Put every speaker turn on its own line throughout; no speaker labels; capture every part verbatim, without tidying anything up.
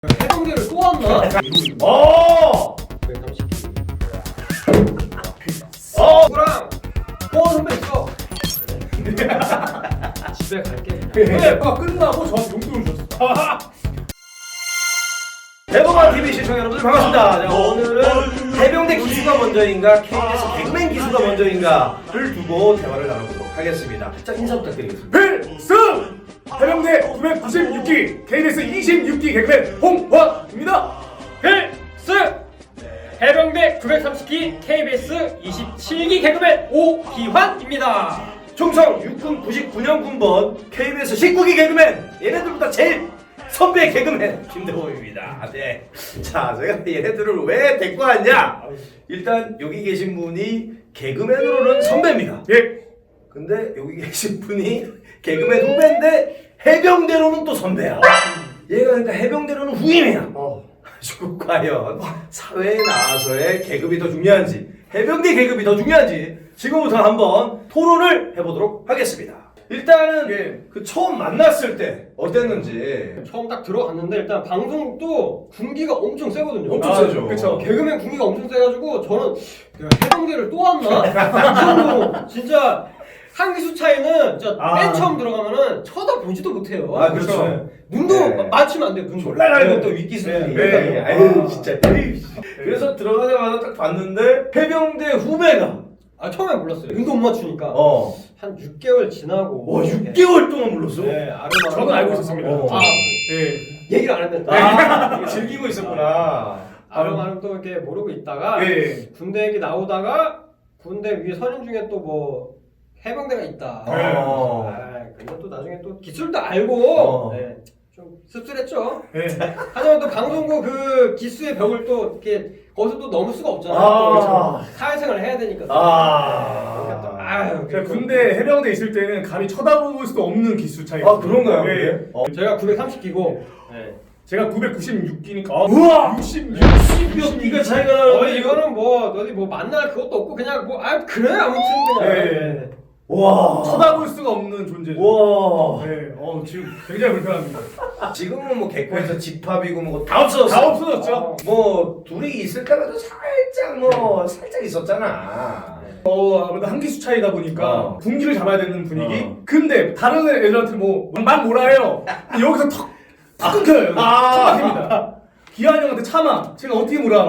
해병대를 또 왔나?
어! 어!
누구랑 뽀 선배 있어. 집에 갈게.
네, 아까 끝나고 저한테 용돈을 줬어.
대범한 티비 시청자 여러분들 반갑습니다. 자, 오늘은 해병대 기수가 먼저인가 케이비에스 개그맨 기수가 먼저인가를 두고 대화를 나눠보도록 하겠습니다. 자, 인사 부탁드리겠습니다.
필승! 해병대 구백구십육 기 케이비에스 이십육 기 개그맨 홍환입니다.
필승! 해병대 구백삼십 기 케이비에스 이십칠 기 개그맨 오기환입니다.
충성 육군 구십구 년 군번 케이비에스 십구 기 개그맨 얘네들보다 제일 선배 개그맨 김대범입니다. 네. 자, 제가 얘네들을 왜 데리고 왔냐? 일단 여기 계신 분이 개그맨으로는 선배입니다.
예.
근데 여기 계신 분이 개그맨 후배인데 해병대로는 또 선배야. 얘가 그러니까 해병대로는 후임이야.
어.
그래가지고 과연 사회에 나와서의 계급이 더 중요한지 해병대 계급이 더 중요한지 지금부터 한번 토론을 해보도록 하겠습니다. 일단은
예.
그 처음 만났을 때 어땠는지.
처음 딱 들어갔는데 일단 방송도 군기가 엄청 세거든요.
엄청
아,
세죠.
그쵸.
개그맨 군기가 엄청 세가지고 저는 내가 해병대를 또 왔나? 이 정도로 진짜 한 기수 차이는 진짜
아.
맨 처음 들어가면은 쳐다보지도 못해요.
아, 그렇죠.
눈도
네.
맞추면 안 돼요. 눈도.
졸라 날고
네.
또 윗기수들이.
네, 네.
아유
아.
진짜. 에이. 그래서 들어가자마자 딱 봤는데 해병대 후배가
아 처음에 몰랐어요. 눈도 못 맞추니까.
어.
한 육 개월 지나고.
와 육 개월 동안 불렀어?
네, 아름
저는 알고 있었습니다.
어.
아,
예.
얘기를 안 했는데.
아, 즐기고 있었구나.
아름아름 또 이렇게 모르고 있다가
예.
군대 얘기 나오다가 군대 위에 선임 중에 또 뭐 해병대가 있다.
어.
아, 근데 또 나중에 또 기술도 알고
어.
네, 좀 씁쓸했죠.
예.
하지만 또 방송국 그 기수의 벽을 또 이렇게 거기서 또 넘을 수가 없잖아요.
아.
또 사회생활을 해야 되니까. 또.
아.
그러니까 또 아유.
제가 군대 해병대 있을 때는 감히 쳐다볼 수도 없는 기수 차이.
아 그런가요?
예.
어.
제가 구백삼십 기고. 네.
제가 구백구십육 기니까. 아,
우와!
육십육.
육십몇 기가 차이가 나는데.
어 이거는 뭐 어디 뭐 만날 그것도 없고 그냥 뭐 아 그래 아무튼 그냥.
예.
와.
쳐다볼 수가 없는 존재죠.
와.
네. 어, 지금 굉장히 불편합니다.
지금은 뭐 개코에서 집합이고 뭐 다 없어졌어.
다 없어졌죠.
어.
뭐 둘이 있을 때마다 살짝 뭐 살짝 있었잖아.
어, 아무래도 한 기수 차이다 보니까
어.
분기를 잡아야 되는 분위기.
어.
근데 다른 애들한테 뭐막 뭐라 해요. 여기서 턱, 턱 끊겨요.
아.
턱 막힙니다. 기한이 형한테 참아. 제가 어떻게 물어?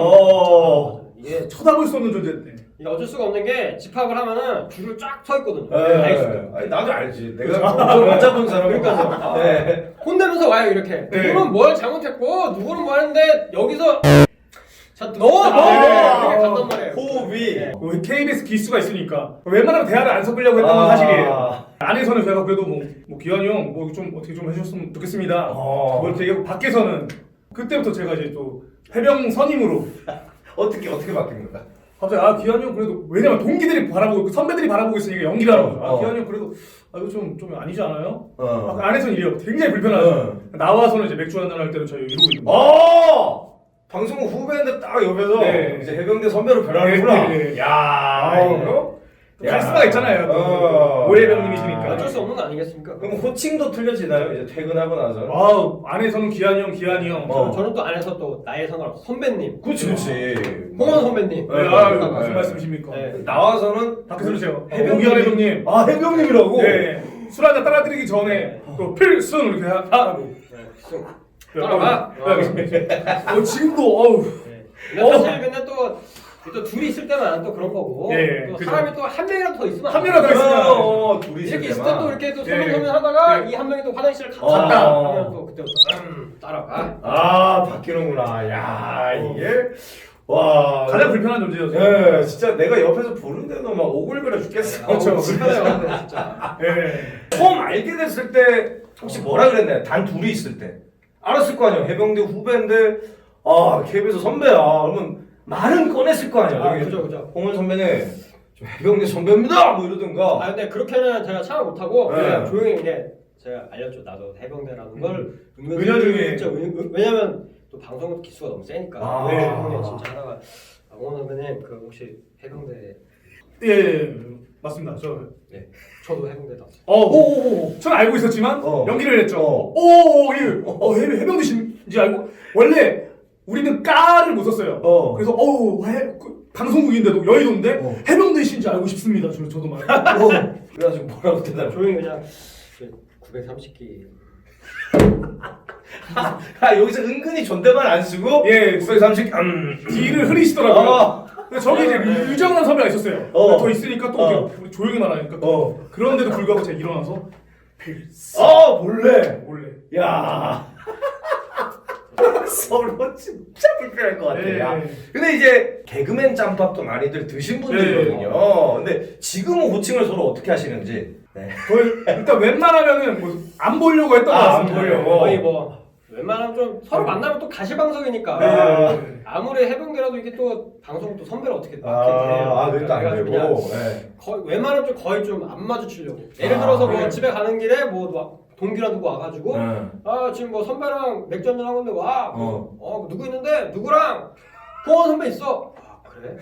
어.
이게
쳐다볼 수 없는 존재인데.
이게 어쩔 수가 없는 게 집합을 하면은 줄을 쫙 서 있거든요.
예.
알겠어요.
아니, 나도 알지. 내가 못 잡은 사람이니까.
그러니까요.
네.
혼내면서 와요 이렇게.
네.
누구는 뭘 잘못했고 누구는 뭐 했는데 여기서 자 넣어 넣어
아,
이렇게 간단 말이에요.
호흡이.
네.
그 케이비에스 기수가 있으니까 웬만하면 대화를 안 섞으려고 했던 건
아.
사실이에요. 안에서는 제가 그래도 뭐, 뭐 기환이 형 뭐 좀 어떻게 좀 해주셨으면 좋겠습니다.
어.
뭐 이렇게 얘기하고 밖에서는 그때부터 제가 이제 또 해병 선임으로
어떻게 어떻게 바뀐 거야?
갑자기 아 기환이 형 그래도 왜냐면 동기들이 바라보고 있고 선배들이 바라보고 있으니까 연기를 하는 거죠. 아
어.
기환이 형 그래도 아 이거 좀 좀 아니지 않아요?
어.
아, 안에서는 이래요. 굉장히 불편하죠.
어.
나와서는 이제 맥주 한잔 할 때는 저희 이러고 있는 거예요.
어! 방송국 후배인데 딱 옆에서
네.
이제 해병대 선배로 변하는구나.
네, 네.
야,
어.
이거?
또 카리스마가 있잖아요. 또.
어.
오해병님이시니까.
어쩔 수 없는 거 아니겠습니까?
그럼 호칭도 틀려지나요? 이제 퇴근하고 나서?
아 안에서는 기환이 형, 기환이 형.
어.
저는 또 안에서 또 나이에 상관없어 선배님,
그치, 그치.
홍원 선배님.
네,
네,
아
네,
무슨
네.
말씀이십니까?
네.
나와서는
밖에서 그러세요.
해병-
오기환 해병님.
아, 해병님이라고?
네. 술 한잔 따라드리기 전에 또 필승 이렇게 하- 하고.
따라가.
어, 지금도 어우.
네. 근데 사실 근데 또, 또 둘이 있을 때만 또 그런 거고
예,
또
그죠.
사람이 또 한 명이라도 더 있으면 안
한 명이라도
돼요.
더 있으면
어, 어, 둘이
이렇게 있을
때만.
때 또 이렇게 또
예.
소문소문 하다가
예.
이 한 명이 또 화장실을
어.
갔다 하면 또 그때부터 음, 따라가.
아, 바뀌는구나. 야, 이게. 와.
가장 불편한 존재였어요.
예, 진짜 내가 옆에서 보는데도 막 오글거려 죽겠어.
그렇죠.
불편해요 근데 진짜.
예.
처음 알게 됐을 때 혹시 뭐라 그랬나요? 단 둘이 있을 때 알았을 거 아니야. 해병대 후배인데 아 케이비에스 선배야. 그러면 말은 꺼냈을 거 아니야.
아
여기
그죠 그죠.
홍원 선배는 좀 해병대 선배입니다. 뭐 이러든가.
아 근데 그렇게는 제가 참아 못하고
네.
그냥 조용히 이게 제가 알렸죠. 나도 해병대라는 걸 은근히
은연중에.
진짜 은- 은- 왜냐면 또 방송 기수가 너무 세니까.
아.
네. 해병대 진짜 하다가 아, 홍원 선배님 그 혹시 해병대
예, 예, 맞습니다. 저.
네 저도 해병대 나왔어요.
어, 오, 오, 오. 전 알고 있었지만
어.
연기를 했죠.
어.
오, 예. 어, 해병 해병대신지 알고 원래 우리는 까를 못 썼어요.
어.
그래서 어우 해, 그, 방송국인데도 여의도인데
어.
해병대신지 알고 싶습니다. 저, 저도 말.
어. 그래가지고 뭐라고 대답해?
조용히 그냥 구백삼십 기.
아 여기서 은근히 존댓말 안 쓰고
예.
구백삼십 음.
뒤를 흐리시더라고요.
어.
근데 저기 이제
네.
유정란 선배가 있었어요.
어.
더 있으니까 또
어.
우리 조용히 말하니까 또
어.
그런데도 불구하고 제가 일어나서 필수
어 몰래.
몰래.
야. 서로 진짜 불편할 것 같아.
네.
야. 근데 이제 개그맨 짬밥도 많이들 드신 분들이거든요. 근데 지금은 호칭을 서로 어떻게 하시는지. 네.
거의 일단 웬만하면은 뭐 안 보려고 했던 것
아, 안
같습니다.
보려고.
거의 뭐 웬만하면 좀 서로 만나면 또 가시방석이니까
네.
아무리 해병대라도 이게 또 방송 또 선배를 어떻게 맡게 돼요.
아, 아 그것도 안
그래가지고
되고.
그냥
네.
거의 웬만하면 좀 거의 좀 안 마주치려고. 예를
아,
들어서 뭐
네.
집에 가는 길에 뭐 막 동기랑 누구 와가지고
응.
아 지금 뭐 선배랑 맥주 한잔 하고 있는데 와.
어.
어 누구 있는데 누구랑 호원 선배 있어. 아 그래?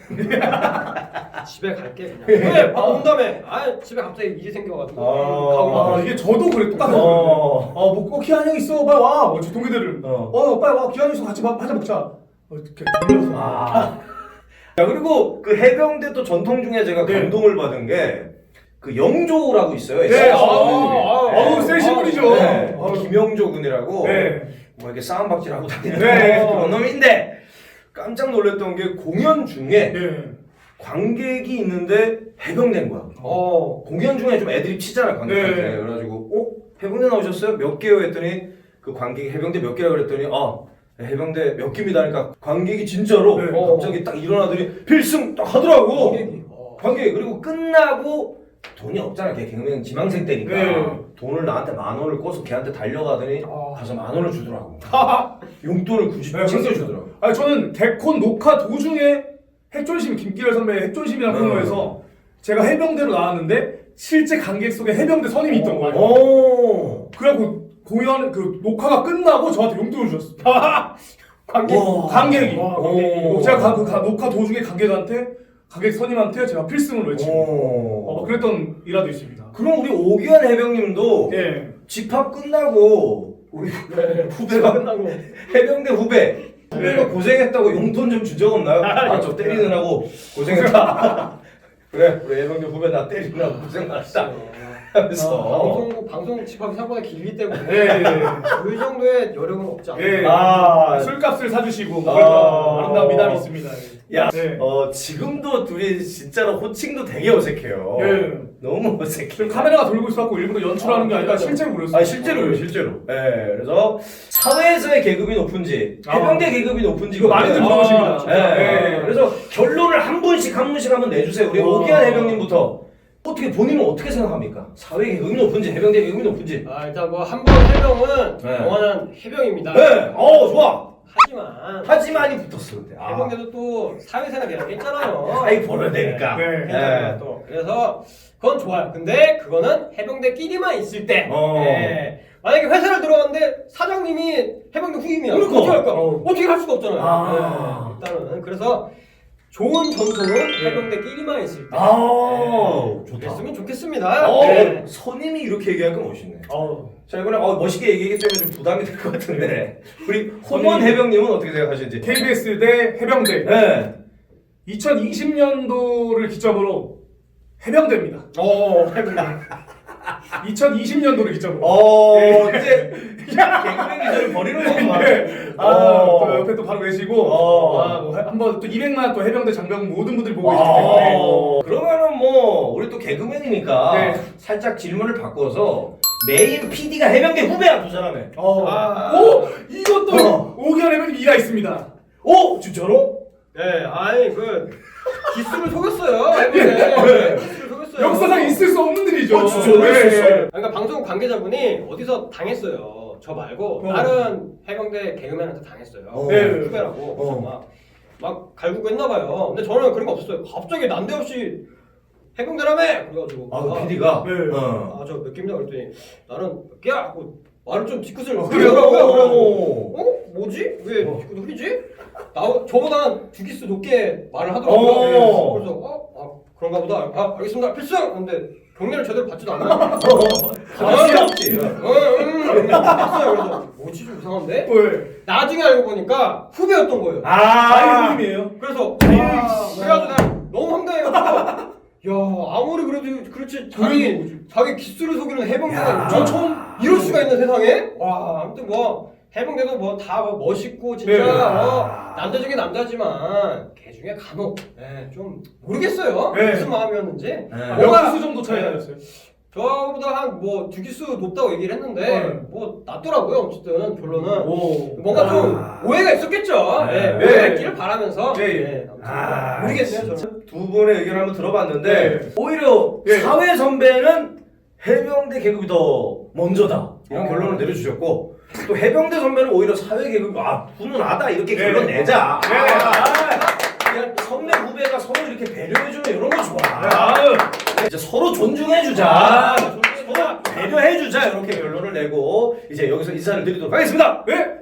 집에 갈게 그냥. 왜? 아 온다며. 아 집에 갑자기 일이 생겨가지고.
아.
가고
아
막
이게 저도 그래 똑같아요.
어.
어뭐 어, 기한 형 있어 빨리 와. 어, 저 동기들을
어.
어 빨리 와 기한 있어 같이 밥 한잔 먹자. 어, 이렇게 돌려서.
아. 야 그리고 그 해병대 또 전통 중에 제가
네.
감동을 받은 게 그 영조라고 있어요.
네,
에스에스
아,
선배님이.
아, 어우, 세신 분이죠.
네.
아우.
김영조 군이라고
네.
뭐 이렇게 싸움박질 하고 다니는
네.
그런 놈인데 깜짝 놀랐던 게 공연 중에
네.
관객이 있는데 해병대인 거야.
어.
공연 중에 좀 애드립 치잖아 관객한테.
네.
그래가지고 어 해병대 나오셨어요? 몇 개요? 했더니 그 관객이 해병대 몇 개라고 그랬더니 어 해병대 몇 개입니다. 하니까 관객이 진짜로
네.
어, 갑자기 딱 일어나더니 필승 딱 하더라고.
관객이. 어.
관객이. 그리고 끝나고 돈이 없잖아. 걔 개그맨 지망생 때니까
네.
돈을 나한테 만 원을 꿔서 걔한테 달려가더니
아.
가서 만 원을 주더라고. 용돈을 굳이
네,
챙겨주더라고.
아니 저는 개콘 녹화 도중에 핵존심 김기열 선배의 핵존심이라는
음.
코너에서 제가 해병대로 나왔는데 실제 관객 속에 해병대 선임이 있던 거예요.
오.
그래갖고 공연 그 녹화가 끝나고 저한테 용돈을 주셨어.
관객.
와.
관객이.
와,
오.
관객이.
제가 가, 그 가- 녹화 도중에 관객한테 관객 선임한테 제가 필승을 외치고
오.
어, 그랬던 일화도 있습니다.
그럼 우리 오기환 해병님도
예.
집합 끝나고 우리 후배가
끝나고.
해병대 후배 후배가 고생했다고 용돈 좀 준 적 없나요? 아 저 때리느라고 고생했다. 그래 우리 해병대 후배 나 때리느라고 고생 많았다 하면서
방송 방송 집합이 생각보다 길기 때문에
예.
그 정도의 여력은 없지 않아요.
예.
아.
술값을 사주시고 뭐
아.
그랬던 아름다운 미담이 있습니다.
야,
네.
어 지금도 둘이 진짜로 호칭도 되게 어색해요.
예.
너무 어색해.
지금 카메라가 돌고 있어갖고 일부러 연출하는 게 아니라
아,
실제로 그랬어요.
아 실제로요, 실제로. 예, 그래서 사회에서의 계급이 높은지 해병대
아.
계급이 높은지
이거 많이들 물어보십니다.
예, 예.
네.
그래서 결론을 한 분씩 한 분씩 한번 내주세요. 우리
어.
오기환 해병님부터 어떻게 본인은 어떻게 생각합니까? 사회 계급이 높은지 해병대 계급이 높은지.
아 일단 뭐 한 번 해병은
네.
영원한 해병입니다.
네, 어 좋아.
하지만
하지만이 붙었어 근데. 아.
해병대도 또 사회생활이라는 게 있잖아요.
사이 벌어야 되니까.
네.
괜찮아요, 또. 그래서 그건 좋아요. 근데 그거는 해병대끼리만 있을 때.
어.
예. 만약에 회사를 들어갔는데 사장님이 해병대 후임이야.
그러니까.
어떻게 할까?
어.
어떻게 할 수가 없잖아요.
아.
예, 일단은 그래서 좋은 전통은 해병대끼리만 있을 때.
아,
예,
좋다.
그랬으면 좋겠습니다.
어,
네.
선임이 이렇게 얘기하니까 멋있네.
어.
자 이번에 어, 멋있게 얘기하기 때문에 좀 부담이 될 것 같은데 우리 홍원 해병님은 어떻게 생각하시는지?
케이비에스 대 해병대.
네.
이천이십 년도를 기점으로 해병대입니다.
어, 해병대.
이천이십 년도를 기점으로.
어
네.
이제 개그맨 기절을 버리는 거구만.
네. 아,
어.
또 옆에 또 바로 계시고,
어.
아, 뭐, 한번 또 이백만 또 해병대 장병 모든 분들이 보고 계시기 때문에.
아, 그러면은 뭐 우리 또 개그맨이니까
네.
살짝 질문을 바꿔서 메인 피디가 해병대 후배야 두 사람에.
어.
아.
오! 이것도
어.
오기환 해병님 이가 있습니다.
오 진짜로?
네, 아니 그 기수를 속였어요. 해병대.
네.
기수를 속였어요.
역사상 있을 수 없는 일이죠.
어, 진짜로?
네.
있었어요?
그러니까 방송 관계자분이 어디서 당했어요. 저 말고
어.
다른 해병대 개그맨한테 당했어요.
어.
네.
후배라고. 그래서
어.
막, 막 갈구고 했나 봐요. 근데 저는 그런 거 없었어요. 갑자기 난데없이 해병대라며! 그래가지고
아 그 피디가.
네.
어.
아 저 몇 개입니다 그랬더니 나는 몇 개야? 하고 말을 좀 뒤끝을
어,
흐리더라고요. 그래가지고
오.
어? 뭐지? 왜
어.
뒤끝을 흐리지? 나, 저보다 두 기수 높게 말을 하더라고요.
어.
그래서 어? 아 그런가 보다. 아 알겠습니다. 필승! 근데 경례를 제대로 받지도 않아요.
받을 수 없지.
응응 했어요. 그래서 뭐지 좀 이상한데?
왜?
나중에 알고 보니까 후배였던 거예요.
아,
자기 손님이에요.
그래서 아, 그래가지고 난 너무 황당해가지고 야 아무리 그래도 그렇지 자기 자기 기술을 속이는 해병대가 저 처음 이럴 수가 있는 세상에 와 아무튼 뭐 해병대도 뭐 다 뭐 멋있고 진짜
네.
뭐 남자 중에 남자지만 개 중에 간혹 예, 좀 모르겠어요
네.
무슨 마음이었는지
네.
뭔가
몇 기수 정도 차이 나셨어요?
저보다 한 뭐 두 기수 높다고 얘기를 했는데
네.
뭐 낮더라고요 어쨌든 결론은
오.
뭔가 좀
아.
오해가 있었겠죠.
네.
예,
네.
오해가 있기를 바라면서.
네.
예, 아무튼
아,
모르겠네요,
진짜
저는.
두 분의 의견 한번 들어봤는데
네.
오히려
네.
사회 선배는 해병대 계급이 더 먼저다 이런
어.
결론을 내려주셨고 또 해병대 선배는 오히려 사회 계급이 아 훈훈하다 이렇게
네.
결론 내자.
네.
아, 그냥 선배 후배가 서로 이렇게 배려해주면 이런 거 좋아.
아유.
이제 서로 존중해주자.
아,
서로 배려해주자 이렇게 결론을 내고 이제 여기서 인사를 드리도록 하겠습니다.
네.